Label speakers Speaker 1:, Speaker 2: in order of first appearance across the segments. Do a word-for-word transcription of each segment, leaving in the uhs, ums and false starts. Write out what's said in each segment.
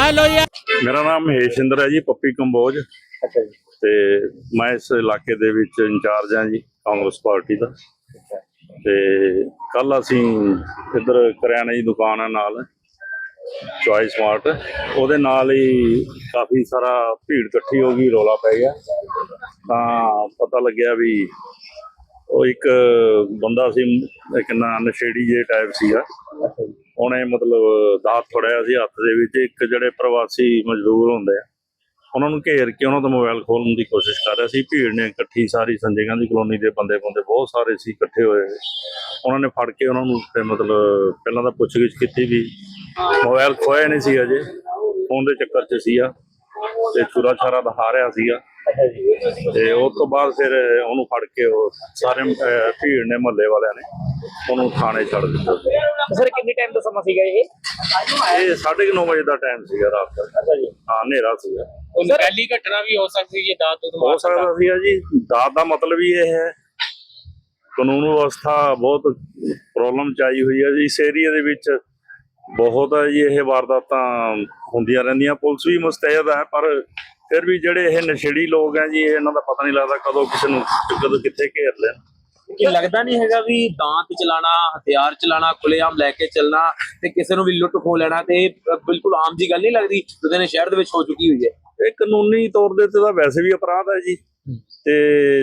Speaker 1: Hello यार।
Speaker 2: मेरा नाम महेशिंਦਰ है जी, पप्पी कंबोज।
Speaker 3: अच्छा जी।
Speaker 2: ਤੇ ਮੈਂ ਇਸ ਇਲਾਕੇ ਦੇ ਵਿੱਚ ਇੰਚਾਰਜ ਹਾਂ ਜੀ ਕਾਂਗਰਸ ਪਾਰਟੀ ਦਾ। ਤੇ ਕੱਲ ਅਸੀਂ ਇੱਧਰ ਕਰਿਆਨੇ ਦੀ ਦੁਕਾਨ ਹੈ ਨਾਲ ਚੋਇਸ ਸਮਾਰਟ, ਉਹਦੇ ਨਾਲ ਹੀ ਕਾਫੀ ਸਾਰਾ ਭੀੜ ਇਕੱਠੀ ਹੋ ਗਈ, ਰੌਲਾ ਪੈ ਗਿਆ। ਤਾਂ ਪਤਾ ਲੱਗਿਆ ਵੀ ਉਹ ਇੱਕ ਬੰਦਾ ਸੀ, ਇੱਕ ਨਾ ਨਸ਼ੇੜੀ ਜਿਹੇ ਟਾਈਪ ਸੀਗਾ, ਉਹਨੇ ਮਤਲਬ ਦਾਤ ਫੜਿਆ ਸੀ ਹੱਥ ਦੇ ਵਿੱਚ। ਇੱਕ ਜਿਹੜੇ ਪ੍ਰਵਾਸੀ ਮਜ਼ਦੂਰ ਹੁੰਦੇ ਆ ਉਹਨਾਂ ਨੂੰ ਘੇਰ ਕੇ ਉਹਨਾਂ ਦਾ ਮੋਬਾਈਲ ਖੋਲਣ ਦੀ ਕੋਸ਼ਿਸ਼ ਕਰ ਰਿਹਾ ਸੀ। ਭੀੜ ਨੇ ਇਕੱਠੀ ਸਾਰੀ ਸੰਜੇ ਗਾਂਧੀ ਕਲੋਨੀ ਦੇ ਬੰਦੇ ਬੰਦੇ ਬਹੁਤ ਸਾਰੇ ਸੀ ਇਕੱਠੇ ਹੋਏ। ਉਹਨਾਂ ਨੇ ਫੜ ਕੇ ਉਹਨਾਂ ਨੂੰ ਤੇ ਮਤਲਬ ਪਹਿਲਾਂ ਤਾਂ ਪੁੱਛਗਿੱਛ ਕੀਤੀ ਵੀ ਮੋਬਾਈਲ ਖੋਇਆ ਨਹੀਂ ਸੀ ਅਜੇ, ਫੋਨ ਦੇ ਚੱਕਰ 'ਚ ਸੀਗਾ ਤੇ ਚੁਰਾ ਚਾਰਾ ਦਿਖਾ ਰਿਹਾ ਸੀਗਾ। ਤੇ ਉਸ ਤੋਂ ਬਾਅਦ ਫਿਰ ਉਹਨੂੰ ਫੜ ਕੇ ਉਹ ਸਾਰੇ ਭੀੜ ਨੇ ਮੁਹੱਲੇ ਵਾਲਿਆਂ ਨੇ ਉਹਨੂੰ ਥਾਣੇ ਛੱਡ ਦਿੱਤਾ।
Speaker 3: ਸਰ ਕਿੰਨੇ ਟਾਈਮ ਦਾ ਸਮਾਂ ਸੀਗਾ ਇਹ?
Speaker 2: ਇਹ ਸਾਢੇ ਨੌ ਵਜੇ ਦਾ ਟਾਈਮ ਸੀਗਾ ਰਾਤ ਦਾ।
Speaker 3: ਅੱਛਾ ਜੀ।
Speaker 2: ਹਾਂ, ਹਨੇਰਾ ਸੀਗਾ।
Speaker 1: पहली घटना भी हो सकती है दांत
Speaker 2: ਹੋ ਸਕਦਾ ਸੀਗਾ ਜੀ। ਦਾਤ ਦਾ ਮਤਲਬ ਹੀ ਇਹ ਹੈ, ਕਾਨੂੰਨ ਵਿਵਸਥਾ ਬਹੁਤ ਪ੍ਰੋਬਲਮ 'ਚ ਆਈ ਹੋਈ ਹੈ ਜੀ ਇਸ ਏਰੀਏ ਦੇ ਵਿੱਚ। ਬਹੁਤ ਹੈ ਜੀ ਇਹ ਵਾਰਦਾਤਾਂ ਹੁੰਦੀਆਂ ਰਹਿੰਦੀਆਂ। ਪੁਲਿਸ ਵੀ ਮੁਸਤੈਦ ਹੈ, ਪਰ ਫਿਰ ਵੀ ਜਿਹੜੇ ਇਹ ਨਸ਼ੇੜੀ ਲੋਕ ਹੈ ਜੀ, ਇਹਨਾਂ ਦਾ ਪਤਾ ਨਹੀਂ ਲੱਗਦਾ ਕਦੋਂ ਕਿਸੇ ਨੂੰ ਕਦੋਂ ਕਿੱਥੇ ਘੇਰ ਲੈਣ।
Speaker 4: ਕਿ ਲੱਗਦਾ ਨਹੀਂ ਹੈਗਾ ਵੀ ਦਾਂਤ ਚਲਾਣਾ, ਹਥਿਆਰ ਚਲਾਣਾ, ਖੁੱਲੇਆਮ ਲੈ ਕੇ ਚੱਲਣਾ ਤੇ ਕਿਸੇ ਨੂੰ ਵੀ ਲੁੱਟ ਖੋਹ ਲੈਣਾ ਤੇ ਬਿਲਕੁਲ ਆਮ ਜੀ ਗੱਲ ਨਹੀਂ ਲੱਗਦੀ ਲੁਧਿਆਣਾ ਸ਼ਹਿਰ ਦੇ ਵਿੱਚ ਹੋ ਚੁੱਕੀ ਹੋਈ ਹੈ।
Speaker 2: ਇਹ ਕਾਨੂੰਨੀ ਤੌਰ ਦੇ ਉੱਤੇ ਤਾਂ ਵੈਸੇ ਵੀ ਅਪਰਾਧ ਹੈ ਜੀ। ਤੇ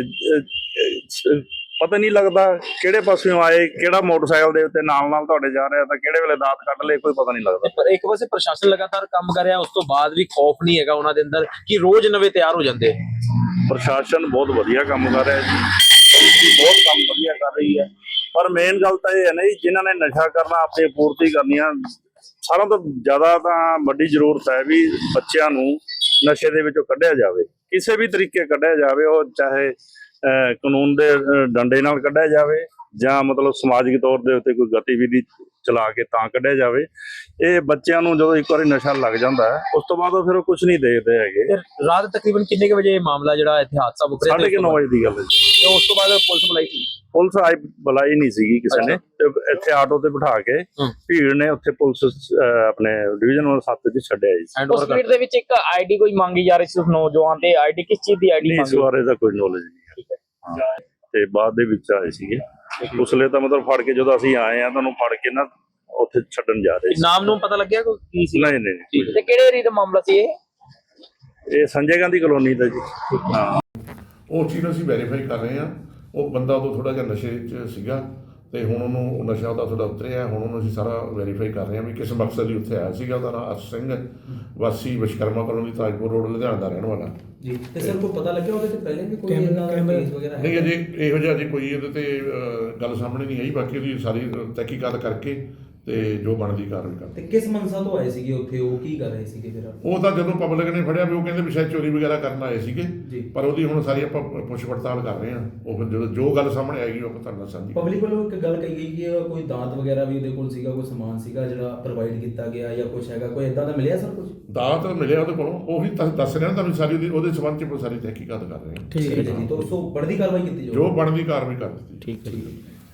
Speaker 2: ਪਤਾ ਨਹੀਂ ਲੱਗਦਾ ਕਿਹੜੇ ਪਾਸਿਓਂ ਆਏ, ਕਿਹੜਾ ਮੋਟਰਸਾਈਕਲ ਦੇ ਉੱਤੇ ਨਾਲ ਨਾਲ ਤੁਹਾਡੇ ਜਾ ਰਿਹਾ ਤਾਂ ਕਿਹੜੇ ਵੇਲੇ ਦਾਤ ਕੱਢ ਲਏ, ਕੋਈ ਪਤਾ ਨਹੀਂ ਲੱਗਦਾ।
Speaker 4: ਪਰ ਇੱਕ ਪਾਸੇ ਪ੍ਰਸ਼ਾਸਨ ਲਗਾਤਾਰ ਕੰਮ ਕਰ ਰਿਹਾ, ਉਸ ਤੋਂ ਬਾਅਦ ਵੀ ਖੌਫ ਨਹੀਂ ਹੈਗਾ ਉਹਨਾਂ ਦੇ ਅੰਦਰ ਕਿ ਰੋਜ਼ ਨਵੇਂ ਤਿਆਰ ਹੋ ਜਾਂਦੇ।
Speaker 2: ਪ੍ਰਸ਼ਾਸਨ ਬਹੁਤ ਵਧੀਆ ਕੰਮ ਕਰ ਰਿਹਾ ਜੀ, ਬਹੁਤ ਕੰਮ ਵਧੀਆ ਕਰ ਰਹੀ ਹੈ। ਪਰ ਮੇਨ ਗੱਲ ਤਾਂ ਇਹ ਹੈ ਨਾ ਜੀ, ਜਿਨ੍ਹਾਂ ਨੇ ਨਸ਼ਾ ਕਰਨਾ, ਆਪਣੀ ਪੂਰਤੀ ਕਰਨੀਆਂ, ਸਾਰਿਆਂ ਤੋਂ ਜ਼ਿਆਦਾ ਤਾਂ ਵੱਡੀ ਜ਼ਰੂਰਤ ਹੈ ਵੀ ਬੱਚਿਆਂ ਨੂੰ ਨਸ਼ੇ ਦੇ ਵਿੱਚੋਂ ਕੱਢਿਆ ਜਾਵੇ, ਕਿਸੇ ਵੀ ਤਰੀਕੇ ਕੱਢਿਆ ਜਾਵੇ। ਉਹ ਚਾਹੇ ਕਾਨੂੰਨ ਦੇ ਡੰਡੇ ਨਾਲ ਕੱਢਿਆ ਜਾਵੇ ਜਾਂ ਮਤਲਬ ਸਮਾਜਿਕ ਤੌਰ ਦੇ ਉੱਤੇ ਕੋਈ ਗਤੀਵਿਧੀ ਚਲਾ ਕੇ ਤਾਂ ਕੱਢਿਆ ਜਾਵੇ। ਇਹ ਬੱਚਿਆਂ ਨੂੰ ਜਦੋਂ ਇੱਕ ਵਾਰੀ ਨਸ਼ਾ ਲੱਗ ਜਾਂਦਾ ਹੈ, ਉਸ ਤੋਂ ਬਾਅਦ ਉਹ ਫਿਰ ਉਹ ਕੁਝ ਨਹੀਂ ਦੇਖਦੇ ਹੈਗੇ।
Speaker 4: ਰਾਤ ਤਕਰੀਬਨ ਕਿੰਨੇ ਕੁ ਵਜੇ ਇਹ ਮਾਮਲਾ ਜਿਹੜਾ ਇੱਥੇ ਹਾਦਸਾ ਵਾਪਰਿਆ?
Speaker 2: ਸਾਢੇ ਕੁ ਨੌ ਵਜੇ ਦੀ ਗੱਲ ਹੈ ਜੀ।
Speaker 4: ਤੇ ਉਸ ਤੋਂ ਬਾਅਦ ਪੁਲਿਸ ਬੁਲਾਈ ਸੀ?
Speaker 2: ਪੁਲਿਸ ਆਈ ਬੁਲਾਈ ਨਹੀਂ ਸੀਗੀ ਕਿਸੇ ਨੇ। ਤੇ ਇੱਥੇ ਆਟੋ ਤੇ ਬਿਠਾ ਕੇ ਭੀੜ ਨੇ ਉੱਥੇ ਪੁਲਿਸ ਆਪਣੇ ਡਿਵੀਜ਼ਨ ਨੰਬਰ ਸੱਤ 'ਚ ਛੱਡਿਆ ਜੀ।
Speaker 3: ਉਸ ਭੀੜ ਦੇ ਵਿੱਚ ਇੱਕ ਆਈਡੀ ਕੋਈ ਮੰਗੀ ਜਾ ਰਹੀ ਸੀ ਉਸ ਨੌਜਵਾਨ ਦੇ, ਆਈਡੀ ਕਿਸ ਚੀਜ਼ ਦੀ ਆਈਡੀ
Speaker 2: ਇਸ ਬਾਰੇ ਦਾ ਕੋਈ ਨੌਲੇਜ ਨਹੀਂ ਹੈ। ਤੇ ਬਾਅਦ ਦੇ ਵਿੱਚ ਆਏ ਸੀਗੇ ਉਸਲੇ ਤਾਂ ਮਤਲਬ ਫੜ ਕੇ ਜਦੋਂ ਅਸੀਂ ਆਏ ਆ ਤੁਹਾਨੂੰ ਫੜ ਕੇ ਨਾ ਉੱਥੇ ਛੱਡਣ ਜਾ ਰਹੇ ਸੀ।
Speaker 4: ਨਾਮ ਨੂੰ ਪਤਾ ਲੱਗਿਆ ਕੋਈ ਕੀ ਸੀ?
Speaker 2: ਨਹੀਂ ਨਹੀਂ।
Speaker 3: ਤੇ ਕਿਹੜੇ ਏਰੀਆ ਦਾ ਮਾਮਲਾ ਸੀ ਇਹ?
Speaker 2: ਇਹ ਸੰਜੇ ਗਾਂਧੀ ਕਲੋਨੀ ਦਾ ਜੀ। ਹਾਂ,
Speaker 5: ਉਹ ਚੀਜ਼ ਅਸੀਂ ਵੈਰੀਫਾਈ ਕਰ ਰਹੇ ਹਾਂ। ਉਹ ਬੰਦਾ ਉਦੋਂ ਥੋੜਾ ਜਿਹਾ ਨਸ਼ੇ 'ਚ ਸੀਗਾ ਤੇ ਹੁਣ ਉਹਨੂੰ ਨਸ਼ਾ ਉਹਦਾ ਥੋੜਾ ਉਤਰਿਆ। ਹੁਣ ਉਹਨੂੰ ਅਸੀਂ ਸਾਰਾ ਵੈਰੀਫਾਈ ਕਰ ਰਹੇ ਹਾਂ ਵੀ ਕਿਸ ਮਕਸਦ ਲਈ ਉੱਥੇ ਆਇਆ ਸੀਗਾ। ਉਹਦਾ ਨਾਮ ਅਰਸ਼ ਸਿੰਘ, ਵਾਸੀ ਵਿਸ਼ਕਰਮਾ ਕਲੋਨੀ, ਤਾਜਪੁਰ ਰੋਡ, ਲੁਧਿਆਣਾ ਦਾ ਰਹਿਣ ਵਾਲਾ
Speaker 6: ਜੀ। ਤੇ ਸਰ ਕੋਈ ਪਤਾ ਲੱਗਿਆ ਉਹਦੇ ਤੇ ਪਹਿਲੇ ਵੀ ਕੋਈ ਇਹਨਾਂ ਦਾ ਕੇਸ ਵਗੈਰਾ ਹੈ?
Speaker 5: ਨਹੀਂ, ਅਜੇ ਇਹੋ ਜਿਹਾ ਅਜੇ ਕੋਈ ਇਹਦੇ ਤੇ ਗੱਲ ਸਾਹਮਣੇ ਨਹੀਂ ਆਈ। ਬਾਕੀ ਉਹਦੀ ਸਾਰੀ ਤਹਿਕੀਕਾਤ ਕਰਕੇ ਤੇ ਜੋ ਬਣਦੀ ਕਾਰਵਾਈ ਕਰਦੇ।
Speaker 6: ਤੇ ਕਿਸ ਮਨਸਾ ਤੋਂ ਆਏ ਸੀਗੇ ਉੱਥੇ, ਉਹ ਕੀ ਕਰ ਰਹੇ ਸੀਗੇ ਫਿਰ?
Speaker 5: ਉਹ ਤਾਂ ਜਦੋਂ ਪਬਲਿਕ ਨੇ ਫੜਿਆ ਵੀ ਉਹ ਕਹਿੰਦੇ ਵੀ ਸ਼ਾਇਦ ਚੋਰੀ ਵਗੈਰਾ ਕਰਨ ਆਏ ਸੀਗੇ,
Speaker 6: ਜੀ।
Speaker 5: ਪਰ ਉਹਦੀ ਹੁਣ ਸਾਰੀ ਆਪਾਂ ਪੁੱਛ ਪੜਤਾਲ ਕਰ ਰਹੇ ਹਾਂ। ਉਹ ਫਿਰ ਜਦੋਂ ਜੋ ਗੱਲ ਸਾਹਮਣੇ ਆਏਗੀ ਉਹ ਆਪਾਂ ਤੁਹਾਨੂੰ ਦੱਸਾਂਗੇ।
Speaker 6: ਪਬਲਿਕ ਵੱਲੋਂ ਇੱਕ ਗੱਲ ਕਹੀ ਗਈ ਕਿ ਕੋਈ ਦਾਤ ਵਗੈਰਾ ਵੀ ਉਹਦੇ ਕੋਲ ਸੀਗਾ, ਕੋਈ ਸਮਾਨ ਸੀਗਾ ਜਿਹੜਾ ਪ੍ਰੋਵਾਈਡ ਕੀਤਾ ਗਿਆ ਜਾਂ ਕੁਝ ਹੈਗਾ, ਕੋਈ ਇਦਾਂ ਦਾ ਮਿਲਿਆ ਸਰ ਕੁਝ?
Speaker 5: ਦਾਤ ਮਿਲਿਆ ਉਹਦੇ ਕੋਲੋਂ, ਉਹ ਵੀ ਦੱਸ ਰਿਹਾ ਤੁਹਾਨੂੰ ਸਾਰੀ ਉਹਦੀ ਉਹਦੇ ਸੰਬੰਧ 'ਚ ਸਾਰੀ ਤਹਿਕੀਕਾਤ ਕਰ ਰਹੇ ਹਾਂ।
Speaker 6: ਠੀਕ ਹੈ ਜੀ। ਤਾਂ ਉਸ ਤੋਂ ਬਣਦੀ ਕਾਰਵਾਈ ਕੀਤੀ ਜਾਊਗੀ,
Speaker 5: ਜੋ ਬਣਦੀ ਕਾਰਵਾਈ ਕਰ ਦਿੱਤੀ।
Speaker 6: ਠੀਕ ਹੈ ਜੀ।